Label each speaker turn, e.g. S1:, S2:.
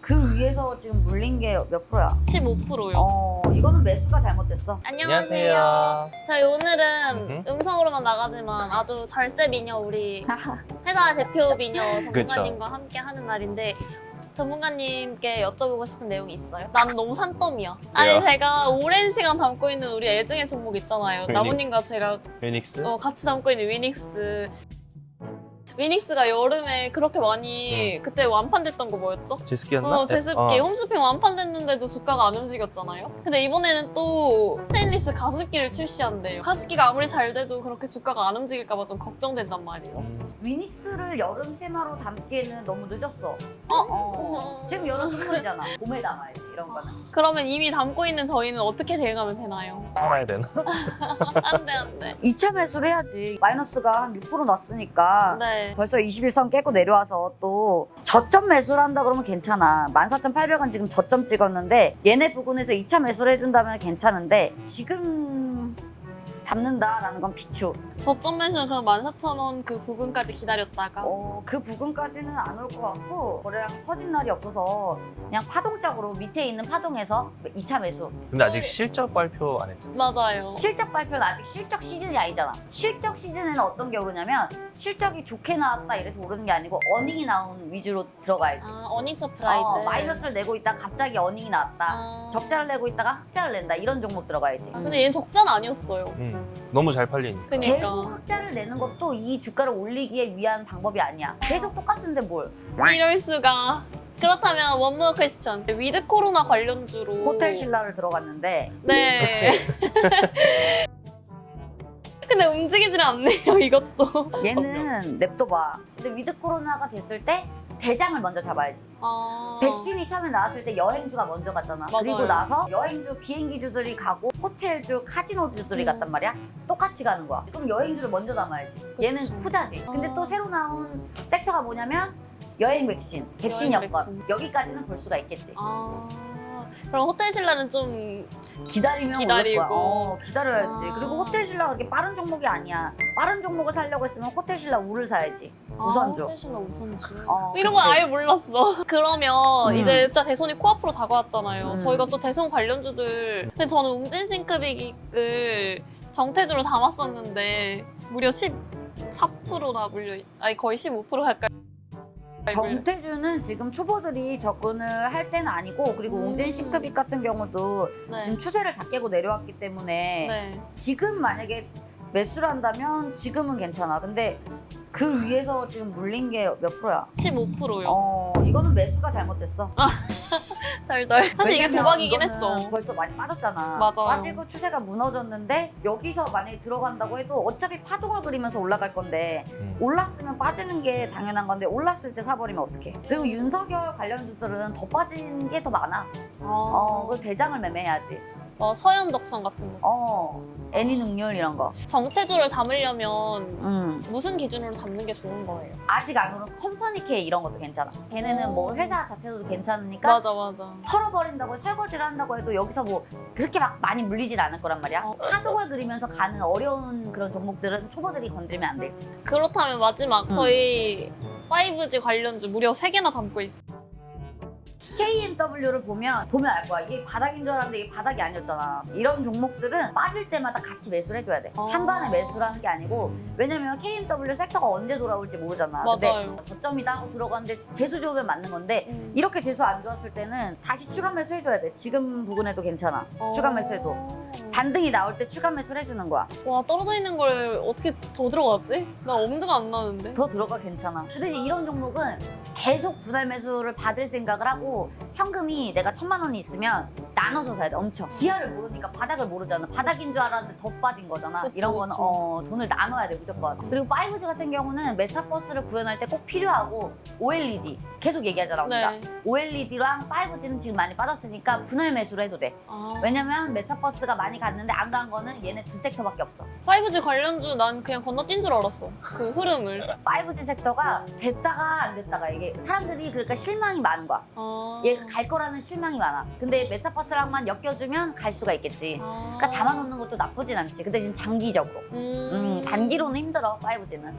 S1: 그 위에서 지금 물린 게 몇 프로야?
S2: 15%요.
S1: 이거는 매수가 잘못됐어.
S2: 안녕하세요. 저희 오늘은
S3: 음흠.
S2: 음성으로만 나가지만 아주 절세 미녀 우리 회사 대표 미녀 전문가님과 함께 하는 날인데 전문가님께 여쭤보고 싶은 내용이 있어요. 나는 너무 산더미야. 아니 제가 오랜 시간 담고 있는 우리 애증의 종목 있잖아요. 나무님과 제가
S3: 위닉스?
S2: 같이 담고 있는 위닉스. 위닉스가 여름에 그렇게 많이 그때 완판됐던 거 뭐였죠?
S3: 제습기였나?
S2: 제습기 홈쇼핑 완판됐는데도 주가가 안 움직였잖아요. 근데 이번에는 또 스테인리스 가습기를 출시한대요. 가습기가 아무리 잘 돼도 그렇게 주가가 안 움직일까 봐 좀 걱정된단 말이에요.
S1: 위닉스를 여름 테마로 담기에는 너무 늦었어.
S2: 어?
S1: 지금 여름 선물이잖아. 봄에 담아야지 이런 거는.
S2: 그러면 이미 담고 있는 저희는 어떻게 대응하면 되나요?
S3: 팔아야 되나?
S2: 안 돼, 안 돼.
S1: 2차 매수를 해야지. 마이너스가 한 6% 났으니까
S2: 네.
S1: 벌써 21선 깨고 내려와서 또 저점 매수를 한다 그러면 괜찮아. 14,800원 지금 저점 찍었는데 얘네 부근에서 2차 매수를 해준다면 괜찮은데 지금 담는다라는 건 비추.
S2: 저점 매수는 그럼 14,000원 그 부근까지 기다렸다가
S1: 그 부근까지는 안 올 것 같고 거래량 터진 날이 없어서 그냥 파동적으로 밑에 있는 파동에서 2차 매수.
S3: 근데 아직 실적 발표 안 했잖아.
S2: 맞아요.
S1: 실적 발표는 아직 실적 시즌이 아니잖아. 실적 시즌에는 어떤 게 오르냐면 실적이 좋게 나왔다 이래서 오르는 게 아니고 어닝이 나온 위주로 들어가야지.
S2: 어닝 서프라이즈.
S1: 마이너스를 내고 있다가 갑자기 어닝이 나왔다.
S2: 아.
S1: 적자를 내고 있다가 흑자를 낸다. 이런 종목 들어가야지.
S2: 근데 얘는 적자는 아니었어요.
S3: 너무 잘 팔리니까.
S2: 그니까.
S1: 계속 흑자를 내는 것도 이 주가를 올리기에 위한 방법이 아니야. 계속 똑같은데 뭘.
S2: 이럴 수가. 그렇다면 원모어 퀘스천. 위드 코로나 관련주로
S1: 호텔 신라를 들어갔는데
S2: 네.
S1: 그치?
S2: 근데 움직이질 않네요, 이것도.
S1: 얘는 냅둬봐. 근데 위드 코로나가 됐을 때 대장을 먼저 잡아야지.
S2: 아.
S1: 백신이 처음에 나왔을 때 여행주가 먼저 갔잖아.
S2: 맞아요.
S1: 그리고 나서 여행주, 비행기주들이 가고 호텔주, 카지노주들이 갔단 말이야. 똑같이 가는 거야. 그럼 여행주를 먼저 담아야지. 얘는
S2: 그쵸.
S1: 후자지. 근데
S2: 아.
S1: 또 새로 나온 섹터가 뭐냐면 여행 백신, 백신
S2: 여행
S1: 여건.
S2: 백신.
S1: 여기까지는 볼 수가 있겠지.
S2: 아. 그럼 호텔 신라는 좀
S1: 기다리면
S2: 기다리고.
S1: 오를 거야. 기다려야지.
S2: 아.
S1: 그리고 호텔 신라 그렇게 빠른 종목이 아니야. 빠른 종목을 사려고 했으면 호텔 신라 우를 사야지. 우선주.
S2: 호텔 신라 우선주.
S1: 그치.
S2: 이런 건 아예 몰랐어. 그러면
S1: 음.
S2: 이제 진짜 대선이 코앞으로 다가왔잖아요.
S1: 음.
S2: 저희가 또 대선 관련주들. 근데 저는 웅진싱크빅을 정태주로 담았었는데 무려 14%나 아니 거의 15% 가까이.
S1: 정태주는 지금 초보들이 접근을 할 때는 아니고 그리고 웅진 싱크빅 같은 경우도
S2: 네.
S1: 지금 추세를 다 깨고 내려왔기 때문에
S2: 네.
S1: 지금 만약에 매수를 한다면 지금은 괜찮아. 근데 그 위에서 지금 물린 게 몇 프로야?
S2: 15%요.
S1: 이거는 매수가 잘못됐어.
S2: 덜덜. 사실 이게
S1: 왜냐면
S2: 도박이긴
S1: 이거는
S2: 했죠.
S1: 벌써 많이 빠졌잖아.
S2: 맞아요.
S1: 빠지고 추세가 무너졌는데 여기서 만약에 들어간다고 해도 어차피 파동을 그리면서 올라갈 건데 올랐으면 빠지는 게 당연한 건데 올랐을 때 사버리면 어떡해. 그리고 윤석열 관련주들은 더 빠진 게 더 많아. 그 대장을 매매해야지.
S2: 서현 덕선 같은 거.
S1: 애니 능률 이런 거.
S2: 정태주를 담으려면 무슨 기준으로 담는 게 좋은 거예요?
S1: 아직 안 오른 컴퍼니 K 이런 것도 괜찮아. 걔네는 뭐 회사 자체도 괜찮으니까
S2: 맞아.
S1: 털어버린다고 설거지를 한다고 해도 여기서 뭐 그렇게 막 많이 물리질 않을 거란 말이야. 파동을 그리면서 가는 어려운 그런 종목들은 초보들이 건드리면 안 되지.
S2: 그렇다면 마지막 저희 5G 관련주 무려 3개나 담고 있어요.
S1: KMW를 보면 알 거야. 이게 바닥인 줄 알았는데 이게 바닥이 아니었잖아. 이런 종목들은 빠질 때마다 같이 매수를 해줘야 돼. 한 번에 매수를 하는 게 아니고 왜냐면 KMW 섹터가 언제 돌아올지 모르잖아.
S2: 맞아요.
S1: 근데 저점이다 하고 들어갔는데 재수 좋으면 맞는 건데 이렇게 재수 안 좋았을 때는 다시 추가 매수 해줘야 돼. 지금 부근에도 괜찮아. 추가 매수해도. 반등이 나올 때 추가 매수를 해주는 거야.
S2: 와, 떨어져 있는 걸 어떻게 더 들어갔지? 나 엄두가 안 나는데.
S1: 더 들어가 괜찮아. 그 대신 이런 종목은 계속 분할 매수를 받을 생각을 하고 현금이 내가 1,000만 원이 있으면 나눠서 사야 돼. 엄청. 지하를 모르니까 바닥을 모르잖아. 바닥인 줄 알았는데 더 빠진 거잖아.
S2: 그쵸,
S1: 이런 거는
S2: 그쵸.
S1: 돈을 나눠야 돼 무조건. 그리고 5G 같은 경우는 메타버스를 구현할 때 꼭 필요하고 OLED 계속 얘기하잖아 우리가.
S2: 네.
S1: OLED랑 5G는 지금 많이 빠졌으니까 분할 매수를 해도 돼. 왜냐면 메타버스가 많이 갔는데 안 간 거는 얘네 두 섹터밖에 없어.
S2: 5G 관련주 난 그냥 건너뛴 줄 알았어. 그 흐름을.
S1: 5G 섹터가 됐다가 안 됐다가 이게 사람들이 그러니까 실망이 많은 거야. 얘가 갈 거라는 실망이 많아. 근데 메타버스랑만 엮여주면 갈 수가 있겠지. 그러니까 담아놓는 것도 나쁘진 않지. 그 대신 장기적으로. 단기로는 힘들어 5G는.